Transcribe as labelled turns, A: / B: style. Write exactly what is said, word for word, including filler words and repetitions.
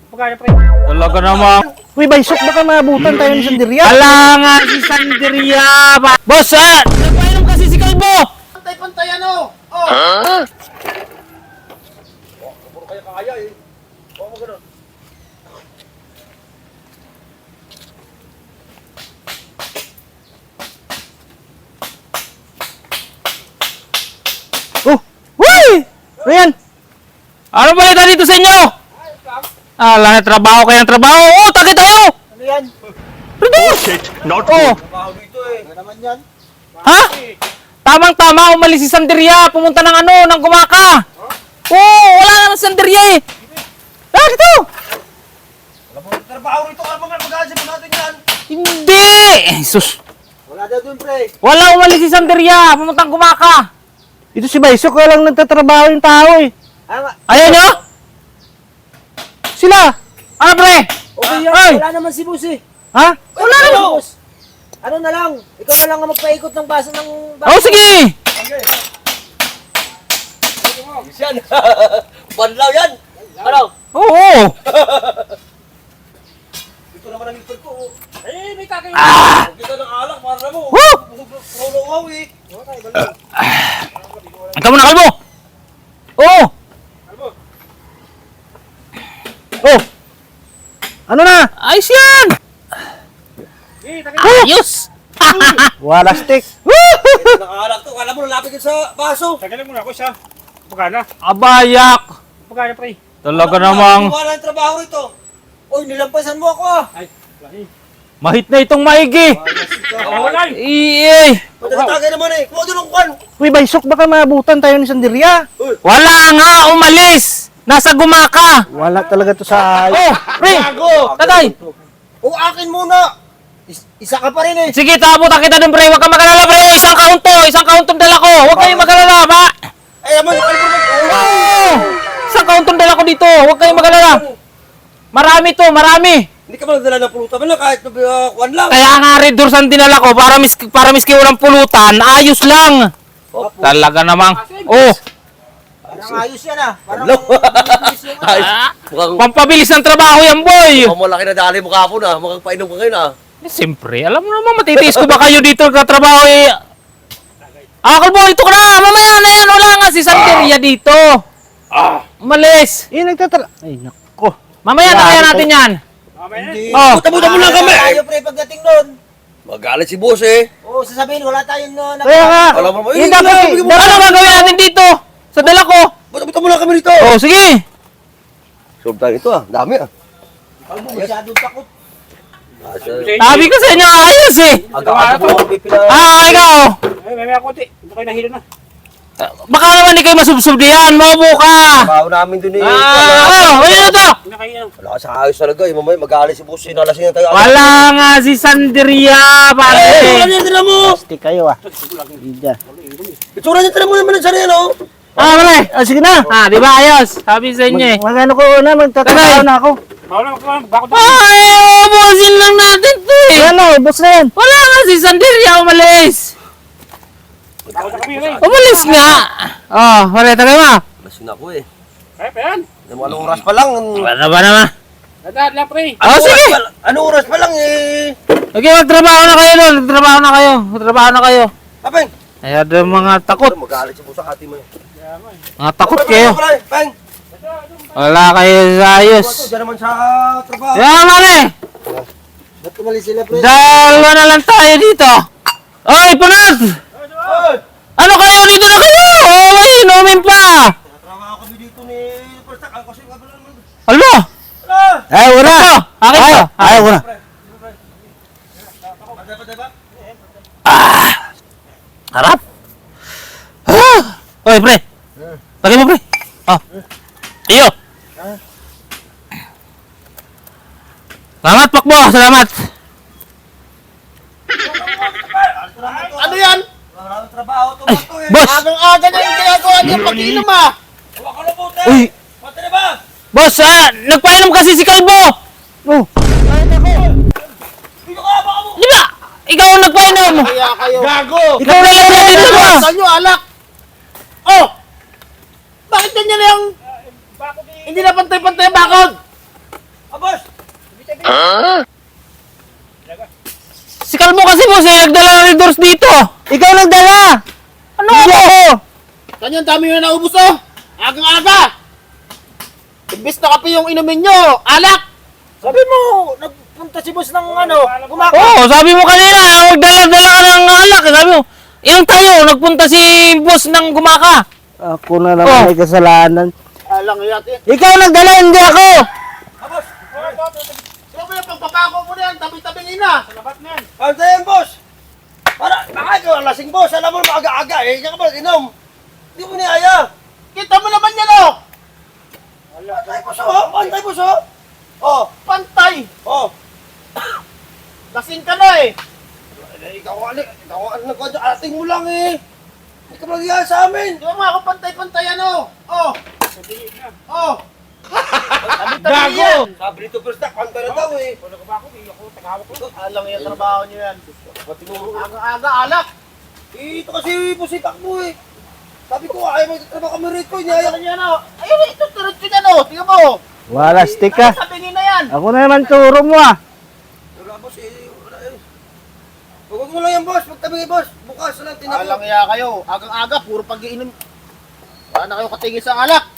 A: Pagkaya pre.
B: Talaga naman.
C: Uy, Baysok, baka maabutan tayo ni Sanderia.
B: Wala nga si Sanderia. Ba- Boss, ah! Nagpainom kasi si Kalbo!
A: Pantay-pantay ano? Oh. Huh? Oh, puro kaya kaya eh. Oh, mo ganun.
C: Oh, uy! Ano yan?
B: Ano ba ito dito sa inyo? Ah, lang trabaho kayo ng trabaho. Oh, takit tayo!
A: Ano yan?
B: Not oh.
A: Trabaho dito eh. Ano naman yan?
B: Ha? Tamang-tama, umalis si Sanderia. Pumunta ng ano, ng Gumaka. Oh, wala naman si Sanderia eh. Ah, dito!
A: Wala mo trabaho rito. Ano mga mag-aasip natin yan?
B: Hindi! Jesus.
A: Wala daw dun pre.
B: Wala umalis si Sanderia. Pumunta ng Gumaka.
C: Ito si Baysok, walang nagtatrabaho yung tao eh.
A: Ah, nga.
B: Ayaw nyo?
C: Sila!
B: Ano pre?
A: Okay yan.
B: Ay!
A: Wala naman si boss eh.
C: Ha?
A: Wala naman boss. Ano na lang? Ikaw na lang ang magpaikot ng baso ng baso.
B: Oh, sige!
A: Okay. Yan. Banlaw yan. Ano?
B: Oo!
A: Ito naman ang ikot ko. Eh, may kakayo.
B: Ah!
A: Kita ng alak para mo.
B: Woo!
A: Puro eh. Okay, banlaw.
B: Ikaw muna, Kalbo! Oo!
C: Oh! Ano na?
B: Ayos yan! Ayos!
C: Wala stick.
A: Ito ng alak to. Kala mo lalapit yun sa baso.
D: Tagalin mo na ako siya. Pagkana.
B: Abayak!
D: Pagkana pre.
B: Talaga namang
A: Wala ang trabaho rito. Uy, nilampasan mo ako ah.
D: Ay, lahi.
B: mahit na itong maigi!
D: Walay.
B: Iyay!
A: Pagkatagay naman eh. Kuha doon ang kwan.
C: Uy, Baysok, baka maabutan tayo ni Sanderia.
B: Wala nga! Umalis! Nasa Gumaka!
C: Wala talaga to sa...
B: Oh! Pre! Tatay!
A: O akin muna. Is- isa ka pa rin eh.
B: Sige, tabutan kita dun, pre! Huwag kang magalala, pre! Isang kaunto! Isang kauntong dala ko! Huwag kayong magalala, ba?
A: Ay, aman, alam mo na.
B: Oh! Isang kauntong dala ko dito! Huwag kayong magalala! Marami to! Marami!
A: Hindi ka ba nagdala ng pulutan mo lang kahit uh, kwan lang.
B: Kaya nga red doors ang dinala ko para mis para miski walang pulutan, ayos lang. Talaga namang. Oh,
A: Parang ayos yan ah. Parang bilis yung ano.
B: ah,
E: Mukhang,
B: pampabilis ng trabaho yan, boy.
E: mukhang malaki na dali mo kapon ah. Mukhang painom ka ngayon ah.
B: Eh, siyempre, alam mo naman matitiis ko ba kayo dito katrabaho eh. Ah, Kalbo, ito ka na. Mamaya na yan. Wala nga si Santeria dito. Umalis.
C: Eh, nagtatra... Ay, nako.
B: Mamaya na kaya natin yan.
A: Hindi.
B: Oh.
E: Tabutan mo lang kami.
A: Tayo pre pagdating doon.
E: Magalit si boss eh.
A: Oo, sasabihin wala tayong no,
C: Kaya nga.
E: Alam mo,
C: Eh,
E: eh,
C: dapat...
E: dapat-
C: dapat-
B: Ano gagawin natin dito? Sa dala ko.
E: Tabutan mo lang kami dito.
B: Oh, sige.
E: Solve tayo ito ah. Dami ah.
A: Kalbo, masyadong takot.
E: Ah, sa-
B: Sabi ko sa inyo, ayos eh.
E: Aga-aga mo ang pipila.
B: Ah, ikaw.
D: Ay, may may konti. Hindi kayo nahilo na.
B: Baka naman di kayo masubsob diyan. Mobo ka.
E: Trabaho namin dun eh.
B: Ah, oh, ayun na to.
D: Hindi na kayo.
E: Wala ka sa ayos talaga eh. Mamaya magalit si boss eh. Nalasing na tayo.
B: Wala nga si Sanderia,
E: Eh,
B: pare.
E: yan tira mo.
C: Stick kayo ah. Ida.
E: Itsura niya tira mo naman sa riyan oh.
B: Ah, pare.
C: Ah, sige na.
B: Ah, di ba ayos? Sabi sa inyo eh.
C: Mag magano ko na, magtatrabaho na ako.
D: Bawala magkakaroon. Bakit doon?
B: Ay, ubusin lang natin to eh.
C: Ayan o, boss na yan.
B: Wala nga si Sanderia, umalis.
D: Bakit na kami yun eh.
B: Umalis nga. Oh, pare, tagay mo.
E: Lasing na ako eh.
D: Ay, pa yan.
E: Anong oras pa lang?
B: Wala ba naman?
D: Lahat lang pre.
B: Oh,
E: Anong
B: sige.
E: oras pa- Anong oras pa lang eh?
B: Okay, magtrabaho na kayo doon. Magtrabaho na kayo. Magtrabaho na kayo.
E: Apeng.
B: Ayan yung mga takot.
E: Magalit si boss sa kati mo eh.
B: Mga takot kayo.
E: Peng.
B: Wala kayo sa ayos.
E: Ito, dyan naman sa trabaho.
B: Yan, pare.
A: Ba't tumalis sila pre?
B: Dalawa na lang tayo dito. Oy, punat!
E: Oy!
B: Ano kayo? Dito na kayo! Oh, may inumin pa!
E: Trabaho kami dito ni Perstak. Ako kasi nga pala naman.
B: Alo!
C: Ay, wala.
B: Ito! Akin to!
C: Ay, wala.
E: Patay, patay ba?
B: Harap! Ah! Oy, pre! Lagay mo, pre! Oh! Iyo! Salamat, Pakbo! Salamat!
A: Ano yan?
E: Wala nang trabaho to ba to eh.
B: Boss!
A: Agang-aga na yung ginagawa niya pag-inom ah.
E: Huwag ka na po te.
B: Uy!
E: Patay na ba?
B: Boss, ah! Nagpainom kasi si Kalbo!
C: Oh,
E: Dito ka, baka mo.
B: Di ba? Ikaw ang nagpainom!
A: Kaya kayo.
E: Gago!
B: Ikaw na lang yan dito, boss!
A: Saan nyo alak? Oh! Bakit ganyan na yung... Hindi na pantay-pantay ang bakod?
B: Si Kalbo kasi boss, eh, nagdala ng Red Doors dito.
C: Ikaw nagdala!
B: Ano
C: Hindi
B: ako?
C: ako!
D: Ganyan, dami yung naubos oh. Agang-aga. Imbis na kape yung inumin nyo. Alak.
A: Sabi mo, nagpunta si boss ng ano, gumaka.
B: Oo, sabi mo kanina, magdala-dala ka ng alak. Sabi mo, yan tayo, nagpunta si boss ng gumaka.
C: Ako na naman
B: Oh.
C: may kasalanan.
D: Alang yate.
C: Ikaw nagdala, hindi ako!
D: Sino ba yung pagpapako mo na yan? Tabi-tabingin na. Salabat na yan.
E: Pantayin, boss! Para, baka ikaw ang lasing, boss. Alam mo, maaga-aga eh. Kaya ka ba, inom? Hindi mo niaya.
D: Kita mo naman yan oh.
E: Pantay, boss, oh. Pantay, boss, oh. Oh,
D: Pantay.
E: oh.
D: Lasing ka na eh.
E: Eh, ikaw, ano, ikaw, ano, nagkwadyo, ating mo lang eh. Hindi ka magyaya sa amin.
D: Di ba mga ako pantay-pantay ano? Oh. Oh. Tabi-tabi yan.
E: Sabi nito, first na, pantay na daw eh.
D: Alang yung trabaho nyo yan. Aga-aga alak.
E: Eh, ito kasi pusipak mo eh. Sabi ko, ayaw magtatrabaho kami rito. Iniyaya
D: Ayan yan oh. Ayun ito, turot yun yan oh. Tingnan mo.
C: Wala, stick ka.
D: Tabingin na yan.
C: Ako na naman turo mo ah.
E: Wala, boss eh. Wala eh. Huwag mo lang yan, boss. Magtabi, boss. Bukas na lang, tinako.
D: Alang iya kayo. Agang-aga, puro pag-iinom. Wala na kayo katigil sa alak.